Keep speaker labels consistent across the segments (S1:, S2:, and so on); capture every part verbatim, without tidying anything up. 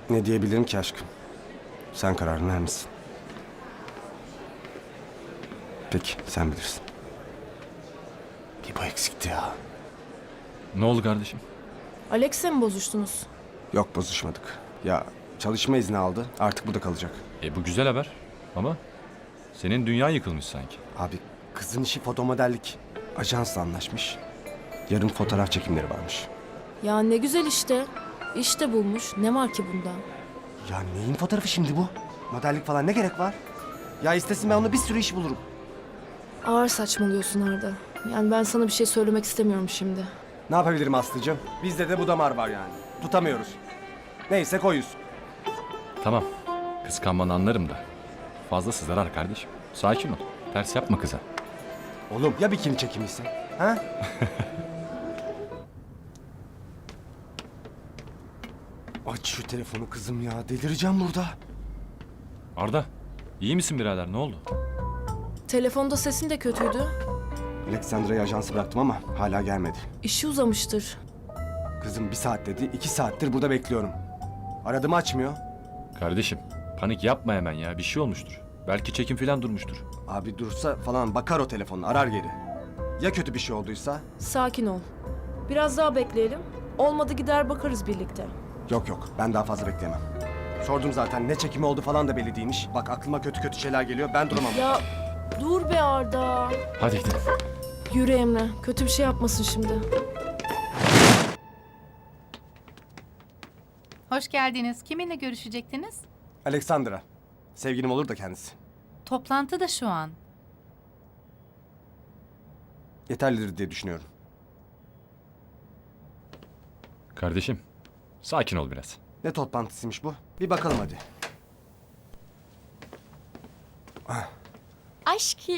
S1: Ne diyebilirim ki aşkım? Sen kararını vermişsin. Peki, sen bilirsin. Bir bu eksikti ya.
S2: Ne oldu kardeşim?
S3: Alex'le mi bozuştunuz?
S1: Yok, bozuşmadık. Ya çalışma izni aldı, artık burada kalacak.
S2: E bu güzel haber. Ama senin dünya yıkılmış sanki.
S1: Abi, kızın işi fotomodellik. Ajansla anlaşmış. Yarın fotoğraf çekimleri varmış.
S3: Ya ne güzel işte. İş de bulmuş. Ne var ki bunda?
S1: Ya neyin fotoğrafı şimdi bu? Modellik falan ne gerek var? Ya istesin ben ona bir sürü iş bulurum.
S3: Ağır saçmalıyorsun Arda. Yani ben sana bir şey söylemek istemiyorum şimdi.
S1: Ne yapabilirim Aslı'cığım? Bizde de bu damar var yani. Tutamıyoruz. Neyse koyuz.
S2: Tamam. Kıskanmanı anlarım da. Fazlası zarar kardeşim. Sakin ol. Ters yapma kıza.
S1: Oğlum ya bikini çekimiyse? Ha? Aç şu telefonu kızım ya. Delireceğim burada.
S2: Arda, iyi misin birader? Ne oldu?
S3: Telefonda sesin de kötüydü.
S1: Alexandra'yı ajansı bıraktım ama hala gelmedi.
S3: İşi uzamıştır.
S1: Kızım bir saat dedi. iki saattir burada bekliyorum. Aradım açmıyor.
S2: Kardeşim, panik yapma hemen ya. Bir şey olmuştur. Belki çekim falan durmuştur.
S1: Abi dursa falan bakar o telefonla arar geri. Ya kötü bir şey olduysa?
S3: Sakin ol. Biraz daha bekleyelim. Olmadı gider bakarız birlikte.
S1: Yok yok ben daha fazla bekleyemem. Sordum zaten ne çekimi oldu falan da belli değilmiş. Bak aklıma kötü kötü şeyler geliyor ben duramam.
S3: Ya dur be Arda.
S2: Hadi gidelim.
S3: Yürü Emre. Kötü bir şey yapmasın şimdi.
S4: Hoş geldiniz. Kiminle görüşecektiniz?
S1: Alexandra. Sevgilim olur da kendisi.
S4: Toplantı da şu an.
S1: Yeterlidir diye düşünüyorum.
S2: Kardeşim, sakin ol biraz.
S1: Ne toplantısıymış bu? Bir bakalım hadi.
S5: Aşkım.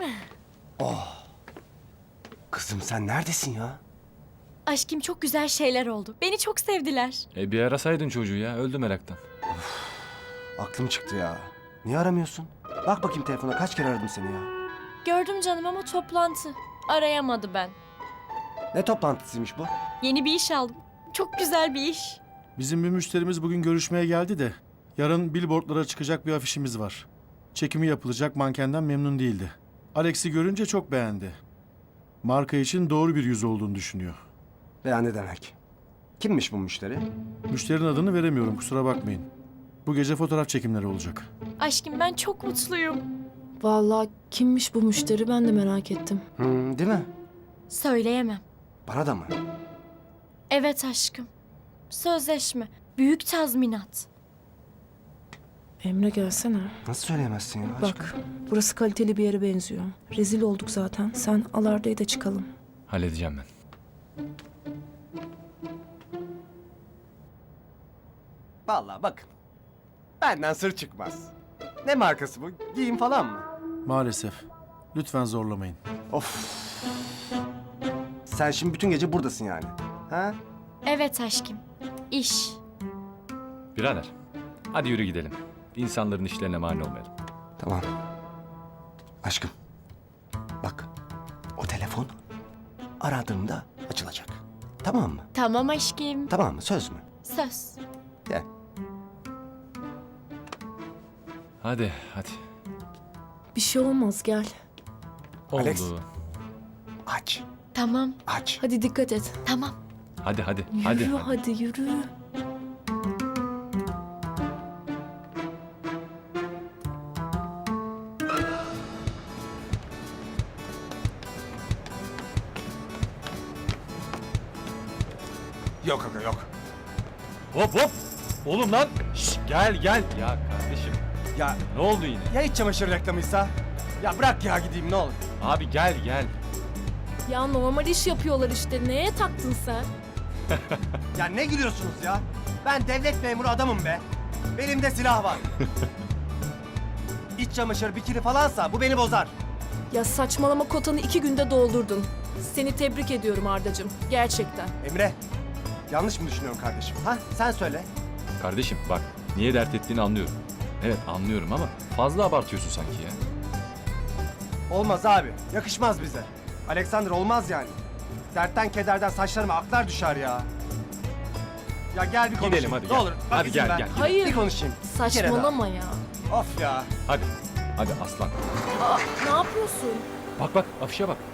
S1: Kızım sen neredesin ya?
S5: Aşkım çok güzel şeyler oldu. Beni çok sevdiler.
S2: E bir arasaydın çocuğu ya. Öldü meraktan.
S1: Aklım çıktı ya. Niye aramıyorsun? Bak bakayım telefona kaç kere aradım seni ya.
S5: Gördüm canım ama toplantı. Arayamadı ben.
S1: Ne toplantısıymış bu?
S5: Yeni bir iş aldım. Çok güzel bir iş.
S6: Bizim bir müşterimiz bugün görüşmeye geldi de yarın billboardlara çıkacak bir afişimiz var. Çekimi yapılacak mankenden memnun değildi. Alex'i görünce çok beğendi. Marka için doğru bir yüz olduğunu düşünüyor.
S1: Veya ne demek? Kimmiş bu müşteri?
S6: Müşterinin adını veremiyorum kusura bakmayın. Bu gece fotoğraf çekimleri olacak.
S5: Aşkım ben çok mutluyum.
S3: Vallahi kimmiş bu müşteri ben de merak ettim.
S1: Hmm, değil mi?
S5: Söyleyemem.
S1: Bana da mı?
S5: Evet aşkım. Sözleşme. Büyük tazminat.
S3: Emre gelsene.
S1: Nasıl söyleyemezsin ya? aşkım?
S3: Bak burası kaliteli bir yere benziyor. Rezil olduk zaten. Sen al Arda'yı da çıkalım.
S2: Halledeceğim ben.
S1: Vallahi bakın. Benden sır çıkmaz. Ne markası bu? Giyim falan mı?
S6: Maalesef. Lütfen zorlamayın.
S1: Of. Sen şimdi bütün gece buradasın yani. Ha?
S5: Evet aşkım. İş.
S2: Birader, hadi yürü gidelim. İnsanların işlerine mani olmayalım.
S1: Tamam. Aşkım. Bak. O telefon aradığımda açılacak. Tamam mı?
S5: Tamam aşkım.
S1: Tamam mı? Söz mü?
S5: Söz.
S1: Gel.
S2: Hadi, hadi.
S3: Bir şey olmaz gel.
S2: Oldu.
S1: Alex. Aç.
S5: Tamam.
S1: Aç.
S3: Hadi dikkat et.
S5: Tamam.
S2: Hadi, hadi,
S3: Yürü
S2: hadi.
S3: hadi, yürü.
S1: Yok aga yok.
S2: Hop hop. Oğlum lan. Şş, gel gel. Ya kardeşim,
S1: Ya
S2: ne oldu yine?
S1: ya iç çamaşır reklamıysa? Ya bırak ya gideyim ne olur.
S2: Abi gel gel.
S3: Ya normal iş yapıyorlar işte. Neye taktın sen?
S1: Ya ne gülüyorsunuz ya? Ben devlet memuru adamım be. Belimde silah var. İç çamaşır, bikini falansa bu beni bozar.
S3: Ya saçmalama kotanı iki günde doldurdun. Seni tebrik ediyorum Ardacığım. Gerçekten.
S1: Emre, yanlış mı düşünüyorum kardeşim? Ha? Sen söyle.
S2: Kardeşim bak, niye dert ettiğini anlıyorum. Evet anlıyorum ama fazla abartıyorsun sanki ya.
S1: Olmaz abi, yakışmaz bize. Alexander olmaz yani. Dertten kederden saçlarıma aklar düşer ya. Ya gel bir konuşayım.
S2: Gidelim hadi
S1: Ne
S2: gel.
S1: olur. Bak
S2: Hadi
S1: izin
S2: gel,
S1: ver.
S2: gel.
S3: Hayır.
S1: Bir konuşayım. Bir kere
S3: Saçmalama ya.
S1: daha. Of ya.
S2: Hadi. Hadi aslan.
S3: Aa, ne yapıyorsun?
S2: Bak bak afişe bak.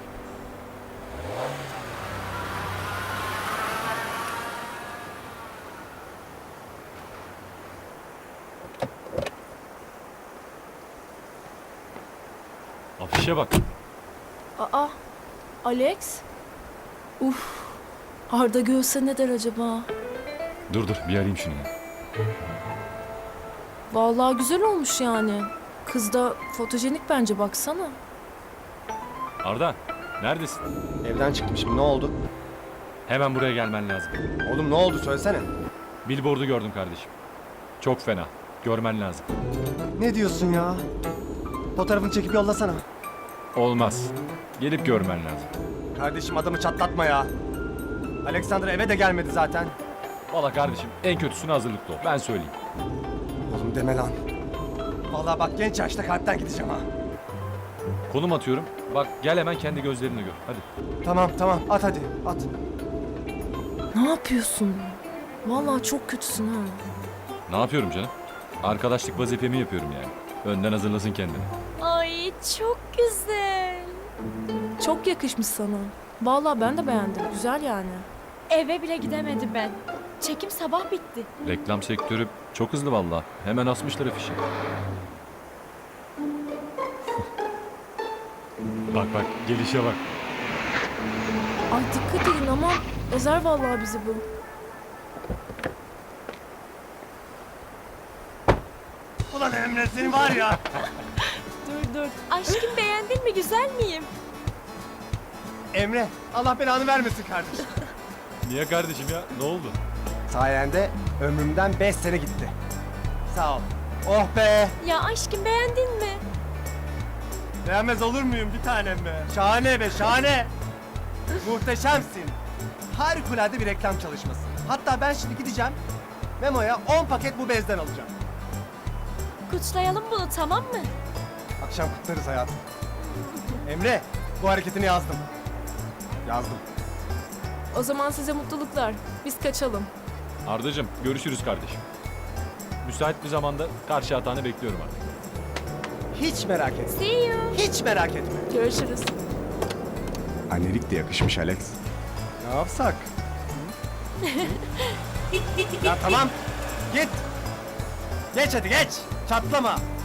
S2: Afişe bak.
S3: Aa, Alex? Uf, Arda görse ne der acaba?
S2: Dur dur bir arayayım şunu ya.
S3: Vallahi güzel olmuş yani. Kız da fotojenik bence, baksana.
S2: Arda neredesin?
S1: Evden çıkmışım. Ne oldu?
S2: Hemen buraya gelmen lazım.
S1: Oğlum ne oldu söylesene.
S2: Billboard'u gördüm kardeşim. Çok fena. Görmen lazım.
S1: Ne diyorsun ya? Fotoğrafını çekip yollasana.
S2: Olmaz. Gelip görmen lazım.
S1: Kardeşim adamı çatlatma ya. Alexander eve de gelmedi zaten.
S2: Valla kardeşim en kötüsüne hazırlıklı ol. Ben söyleyeyim.
S1: Oğlum deme lan. Vallahi bak genç yaşta kalpten gideceğim ha.
S2: Konum atıyorum. Bak gel hemen kendi gözlerinle gör. Hadi.
S1: Tamam tamam at hadi at.
S3: Ne yapıyorsun? Vallahi çok kötüsün ha.
S2: Ne yapıyorum canım? Arkadaşlık vazifemi yapıyorum yani. Önden hazırlasın kendini.
S5: Ay çok güzel.
S3: Çok yakışmış sana. Vallahi ben de beğendim. Güzel yani.
S5: Eve bile gidemedi ben. Çekim sabah bitti.
S2: Reklam sektörü çok hızlı valla. Hemen asmışlar afişi. Bak bak gelişe bak.
S3: Ay dikkat edin ama ezer vallahi bizi bu.
S1: Ulan Emre senin var ya.
S5: Dur dur. Aşkım beğendin mi? Güzel miyim?
S1: Emre Allah belanı vermesin kardeşim.
S2: Niye kardeşim ya? Ne oldu?
S1: Sayende ömrümden beş sene gitti. Sağ ol. Oh be.
S5: Ya aşkım beğendin mi?
S1: Beğenmez olur muyum bir tanem be? Şahane be şahane. Muhteşemsin. Harikulade bir reklam çalışması. Hatta ben şimdi gideceğim. Memo'ya on paket bu bezden alacağım.
S5: Kutlayalım bunu, tamam mı?
S1: Akşam kutlarız hayatım. Emre bu hareketini yazdım. Yazdım.
S3: O zaman size mutluluklar. Biz kaçalım.
S2: Ardacığım görüşürüz kardeşim. Müsait bir zamanda karşı hatanı bekliyorum artık.
S1: Hiç merak etme.
S5: See you.
S1: Hiç merak etme.
S3: Görüşürüz.
S1: Annelik de yakışmış Alex. Ne yapsak? ya tamam. Git. Geç hadi geç. Çatlama.